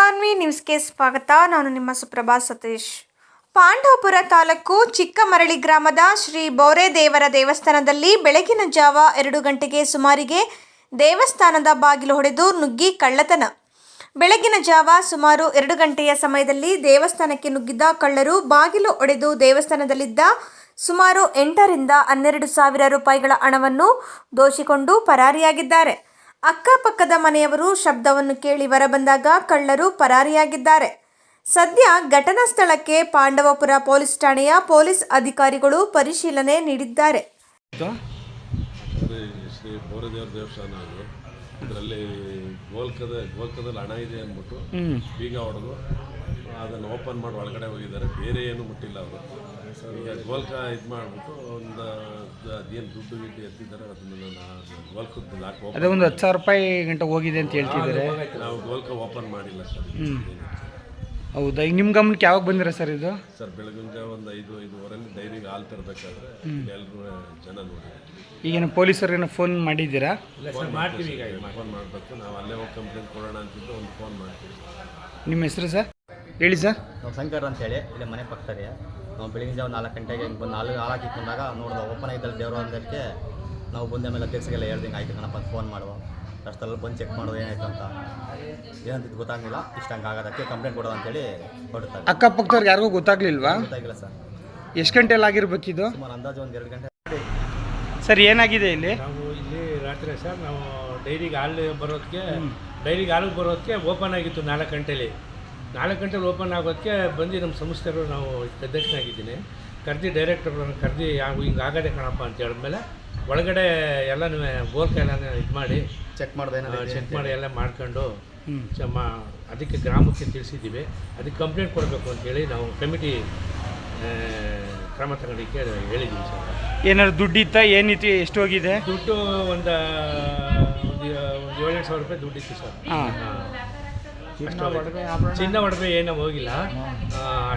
ಮಾನ್ವಿ ನ್ಯೂಸ್ಗೆ ಸ್ವಾಗತ. ನಾನು ನಿಮ್ಮ ಸುಪ್ರಭಾ ಸತೀಶ್. ಪಾಂಡವಪುರ ತಾಲೂಕು ಚಿಕ್ಕಮರಳಿ ಗ್ರಾಮದ ಶ್ರೀ ಬೋರೆದೇವರ ದೇವಸ್ಥಾನದಲ್ಲಿ ಬೆಳಗಿನ ಜಾವ 2 ಗಂಟೆಗೆ ಸುಮಾರಿಗೆ ದೇವಸ್ಥಾನದ ಬಾಗಿಲು ಹೊಡೆದು ನುಗ್ಗಿ ಕಳ್ಳತನ. ಬೆಳಗಿನ ಜಾವ ಸುಮಾರು 2 ಗಂಟೆಯ ಸಮಯದಲ್ಲಿ ದೇವಸ್ಥಾನಕ್ಕೆ ನುಗ್ಗಿದ್ದ ಕಳ್ಳರು ಬಾಗಿಲು ಒಡೆದು ದೇವಸ್ಥಾನದಲ್ಲಿದ್ದ ಸುಮಾರು 8 ರಿಂದ 12 ಸಾವಿರ ರೂಪಾಯಿಗಳ ಹಣವನ್ನು ದೋಚಿಕೊಂಡು ಪರಾರಿಯಾಗಿದ್ದಾರೆ. ಅಕ್ಕಪಕ್ಕದ ಮನೆಯವರು ಶಬ್ದವನ್ನು ಕೇಳಿ ಹೊರಬಂದಾಗ ಕಳ್ಳರು ಪರಾರಿಯಾಗಿದ್ದಾರೆ. ಸದ್ಯ ಘಟನಾ ಸ್ಥಳಕ್ಕೆ ಪಾಂಡವಪುರ ಪೊಲೀಸ್ ಠಾಣೆಯ ಪೊಲೀಸ್ ಅಧಿಕಾರಿಗಳು ಪರಿಶೀಲನೆ ನೀಡಿದ್ದಾರೆ. ಶ್ರೀ ಬೋರೆದೇವರ ದೇವಸ್ಥಾನ ಇದರಲ್ಲಿ ಗೋಲ್ಕದಲ್ಲಿ ಹಣ ಇದೆ ಅಂದ್ಬಿಟ್ಟು ಬೀಗ ಹೊಡೆದು ಅದನ್ನು ಓಪನ್ ಮಾಡಿ ಒಳಗಡೆ ಹೋಗಿದ್ದಾರೆ. ಬೇರೆ ಏನು ಮುಟ್ಟಿಲ್ಲ ಅವರು. ಈಗ ಗೋಲ್ಕ ಇದು ಮಾಡಿಬಿಟ್ಟು ಒಂದು ಅದೇನು ದುಡ್ಡು ಗಿಡ್ಡು ಎತ್ತಿದ್ದಾರೆ ಅದನ್ನು ಗೋಲ್ಕದ್ದು ಲಾಕ್ ಅದೇ ಒಂದು 10,000 ರೂಪಾಯಿ ಗಂಟೆ ಹೋಗಿದೆ ಅಂತ ಹೇಳ್ತಿದ್ದಾರೆ. ನಾವು ಗೋಲ್ಕ ಓಪನ್ ಮಾಡಿಲ್ಲ ಸರ್. ಹೌದಾ, ಈಗ ನಿಮ್ಮ ಗಮನಕ್ಕೆ ಯಾವಾಗ ಬಂದಿರ ಸರ್ ಇದು? ಸರ್ ಬೆಳಗಿನ ಜಾವ ಒಂದು 5-5:30 ಡೈರಿಗೆ ಹಾಲು ತರಬೇಕಾದ್ರೆ ಎಲ್ಲರೂ ಜನ ನೋಡಿದ್ರು. ಈಗೇನು ಪೊಲೀಸರಿಗೆ ಫೋನ್ ಮಾಡಿದ್ದೀರಾ? ಫೋನ್ ಮಾಡ್ತೀವಿ. ಈಗ ಫೋನ್ ಮಾಡಬೇಕು. ನಾವು ಅಲ್ಲೇ ಹೋಗಿ ಕಂಪ್ಲೇಂಟ್ ಕೊಡೋಣ ಅಂತಿದ್ದು ಒಂದು ಫೋನ್ ಮಾಡ್ತೀವಿ. ನಿಮ್ಮ ಹೆಸರು ಸರ್ ಹೇಳಿ ಸರ್? ನಾವು ಶಂಕರ್ ಅಂತೇಳಿ ಇಲ್ಲೇ ಮನೆ ಪಕ್ಕದಲ್ಲಿ. ನಾವು ಬೆಳಗಿನ ಜಾವ 4 ಗಂಟೆಗೆ ಬಂದು ಹಾಲಾಕಿ ಬಂದಾಗ ನೋಡಿದ ಓಪನ್ ಆಗಿದ್ದಲ್ಲಿ ದೇವರು ಅಂದಕ್ಕೆ ನಾವು ಬಂದ ಮೇಲೆ ಅಧ್ಯಕ್ಷರಿಗೆಲ್ಲ ಹೇಳ್ದಂಗೆ ಆಯ್ತು ಕಣಪ್ಪ ಅಂತ ಫೋನ್ ಮಾಡುವ. ಅಷ್ಟೆಲ್ಲ ಬಂದು ಚೆಕ್ ಮಾಡೋದು ಏನಾಯ್ತು ಅಂತ ಏನಂತಿದ್ದು ಗೊತ್ತಾಗಲಿಲ್ಲ. ಇಷ್ಟು ಹಂಗೆ ಆಗೋದಕ್ಕೆ ಕಂಪ್ಲೇಂಟ್ ಕೊಡೋದು ಅಂತೇಳಿ ಹೊರಡ್ತಾರೆ. ಅಕ್ಕಪಕ್ಕದವ್ರಿಗೆ ಯಾರಿಗೂ ಗೊತ್ತಾಗ್ಲಿಲ್ವಾ? ಗೊತ್ತಾಗಿಲ್ಲ ಸರ್. ಎಷ್ಟು ಗಂಟೆಯಲ್ಲಿ ಆಗಿರ್ಬೇಕಿದು? ಸುಮಾರು ಅಂದಾಜು ಒಂದು 2 ಗಂಟೆ. ಸರ್ ಏನಾಗಿದೆ ಇಲ್ಲಿ? ನಾವು ಇಲ್ಲಿ ರಾತ್ರಿ ಸರ್ ನಾವು ಡೈರಿಗೆ ಹಾಲು ಬರೋದಕ್ಕೆ ಓಪನ್ ಆಗಿತ್ತು 4 ಗಂಟೆಲಿ. 4 ಗಂಟೆಲಿ ಓಪನ್ ಆಗೋದಕ್ಕೆ ಬಂದು ನಮ್ಮ ಸಂಸ್ಥೆಯವರು, ನಾವು ಅಧ್ಯಕ್ಷನಾಗಿದ್ದೀನಿ, ಕರೆದು ಡೈರೆಕ್ಟರ್ಗಳನ್ನು ಕರೆದು ಹಿಂಗೆ ಆಗದೆ ಕಣಪ್ಪ ಅಂತ ಹೇಳಿದ್ಮೇಲೆ ಒಳಗಡೆ ಎಲ್ಲನೂ ಗೋಲ್ಕ ಎಲ್ಲನೂ ಇದು ಮಾಡಿ ಚೆಕ್ ಮಾಡಿ ಎಲ್ಲ ಮಾಡ್ಕೊಂಡು ಅದಕ್ಕೆ ಗ್ರಾಮಕ್ಕೆ ತಿಳಿಸಿದ್ದೀವಿ. ಅದಕ್ಕೆ ಕಂಪ್ಲೇಂಟ್ ಕೊಡಬೇಕು ಅಂತೇಳಿ ನಾವು ಕಮಿಟಿ ಕ್ರಮ ತಗೊಳ್ಳಿಕ್ಕೆ ಹೇಳಿದ್ದೀವಿ ಸರ್. ಏನಾದ್ರು ದುಡ್ಡು ಇತ್ತಾ? ಏನಿತ್ತು? ಎಷ್ಟು ಹೋಗಿದೆ ದುಡ್ಡು? ಒಂದು 7,000 ರೂಪಾಯಿ ದುಡ್ಡಿತ್ತು ಸರ್. ಚಿನ್ನ ಒಡವೆ ಏನೂ ಹೋಗಿಲ್ಲ.